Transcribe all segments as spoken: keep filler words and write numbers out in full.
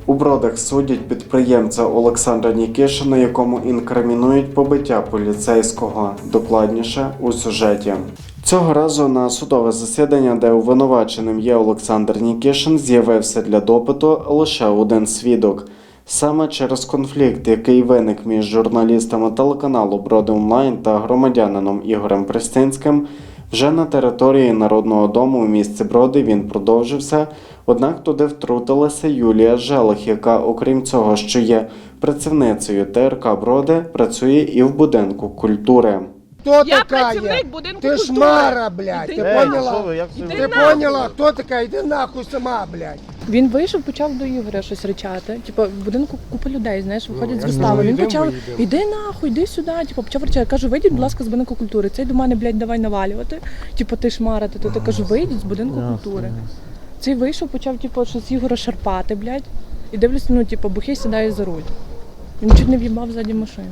У Бродах судять підприємця Олександра Нікішина, якому інкримінують побиття поліцейського. Докладніше у сюжеті. Цього разу на судове засідання, де обвинуваченим є Олександр Нікішин, з'явився для допиту лише один свідок. Саме через конфлікт, який виник між журналістами телеканалу «Броди Онлайн» та громадянином Ігорем Пристинським, вже на території Народного дому у місті Броди він продовжився, однак туди втрутилася Юлія Желих, яка, окрім цього, що є працівницею Те Ер Ка Броди, працює і в будинку культури. Кто Я такая? працівник будинку Ты культури. шмара, блядь, Іди ты нахуй. поняла? Іди Ти нахуй. поняла, хто така? Іди нахуй сама, блядь. Він вийшов, почав до Ігоря щось ричати. Типу, в будинку купа людей, знаєш, виходять я з вистави. знаю, Він йдемо, почав, виїдемо. іди нахуй, іди сюди. Типу, почав ричати. Кажу, вийдіть, будь ласка, з будинку культури. Цей до мене, блядь, давай навалювати. Типу, ти шмарити. То я кажу, вийдіть з будинку культури. Цей вийшов, почав, типу, щось Ігора шарпати, блядь. І дивлюся, ну, типу, бухий сідає за руль. Він чуть не в'їбав ззаді машину.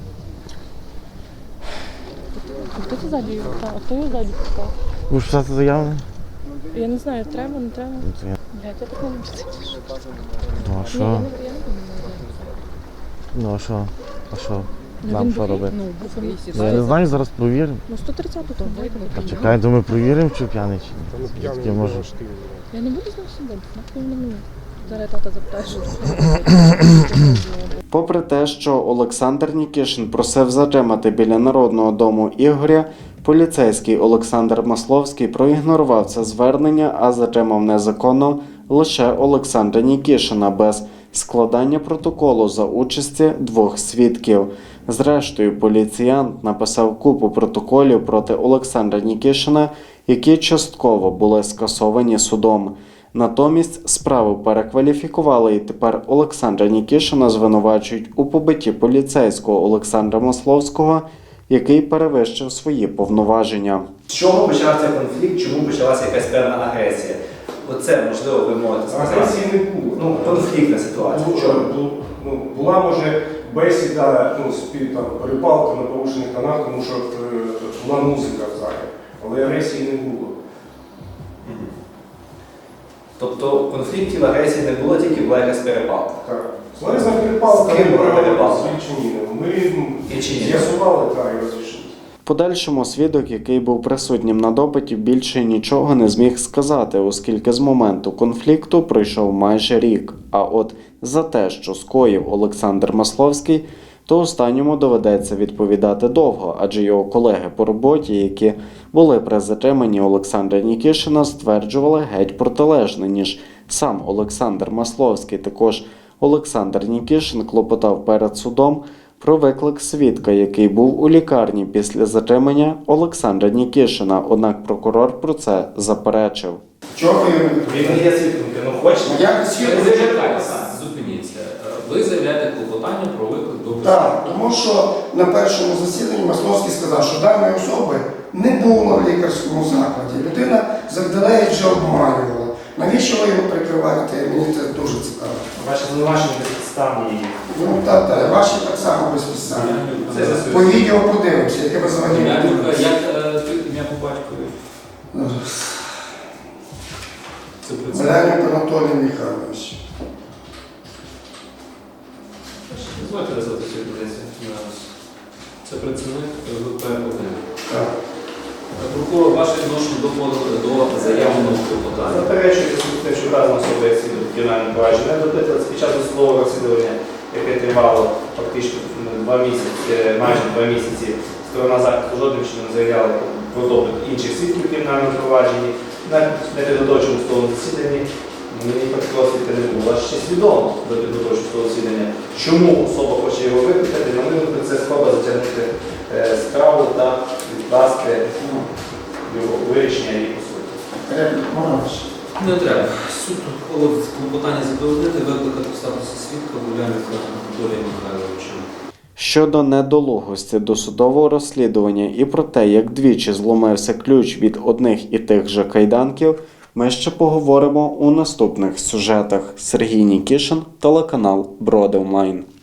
А хто це ззаді його? А хто його ззаді пускав? Ви ж писати заяву? Я не знаю, треба, не треба. Ну, я- Блядь, я так не люблю це. Ну а Ні, що? я не, я не буду. Ну а що? А що? Ну, Нам він що бухий? робити? Ну, бухий. Ну, я не знаю, зараз провіримо. Ну, сто тридцяту то вийде. А чекай, думаю, провіримо, чи п'яний, чи ні. Звідки може? Я не буду з ним сидіти, нахуй не мені. Зараз тата запитає, що Попри те, що Олександр Нікішин просив затримати біля Народного дому Ігоря, поліцейський Олександр Масловський проігнорував це звернення, а затримав незаконно лише Олександра Нікішина без складання протоколу за участі двох свідків. Зрештою, поліціянт написав купу протоколів проти Олександра Нікішина, які частково були скасовані судом. Натомість справу перекваліфікували, і тепер Олександра Нікішина звинувачують у побитті поліцейського Олександра Масловського, який перевищив свої повноваження. З чого почався конфлікт, чому почалася якась певна агресія? Оце, можливо, ви можете сказати. Агресії не було. Ну, конфліктна ситуація. Бу- Чому? бу- ну, була, може, бесіда, ну, спів, там, перепалка на порушених тонах, тому що е, була музика в залі. Але агресії не було. Тобто конфліктів, агресії не було, тільки була якась перепалка. Так. Словесна перепалка, З ким ми була перепалка? з Вільчиніном. Ми ну, Вільчинін. з'ясували, так, і розрішили. В подальшому свідок, який був присутнім на допиті, більше нічого не зміг сказати, оскільки з моменту конфлікту пройшов майже рік. А от за те, що скоїв Олександр Масловський, то останньому доведеться відповідати довго, адже його колеги по роботі, які були при затриманні Олександра Нікішина, стверджували геть протилежне, ніж сам Олександр Масловський. Також Олександр Нікішин клопотав перед судом про виклик свідка, який був у лікарні після затримання Олександра Нікішина, однак прокурор про це заперечив. Чого ви? Він не є свідком, ну хочеш? Я не свідок. Ви зачекайтеся. Зупиніться. Ви заявляєте клопотання про виклик до присутності. Так, тому що на першому засіданні Масловський сказав, що даної особи не було в лікарському закладі. Людина завдалеє вже обманювала. Навіщо ви його прикриваєте? Мені це дуже цікаво. Ваші звинувачення безпідставні. Ну, так, так, ваші так само безпідставні. Це за По відео подивимося, яке ви взагалі не Як дивитеся. як, е, ти ім'я по батькові? Це працівник. Мельник Анатолій Михайлович. Дозвольте розвити цю позицію. Це працівник Ве Пе один. Так. Прокурор, ваше відношення до до заявленого клопотання. Заперечується те, що вказана особа як свідок кримінального провадження не допитувалася під час досудового розслідування, яке тривало фактично два місяці, майже два місяці. Сторона захисту жодним чином не заявляла про допит інших свідків в кримінальному провадженні. На непідготовчому судовому засіданні мені такого свідка не було. Аж ще свідомо до підготовчого судового засідання, чому особа хоче його викликати, на мою думку, це спроба затягнути е, справу та відкласти його вирішення її по суті. Реплік можна ще? Не треба. Суд ухвалив клопотання задовольнити, викликати в статусі свідка Гуляніка Анатолія Михайловича. Щодо недолугості досудового розслідування і про те, як двічі зломився ключ від одних і тих же кайданків, ми ще поговоримо у наступних сюжетах. Сергій Нікішин, телеканал «Броди Онлайн».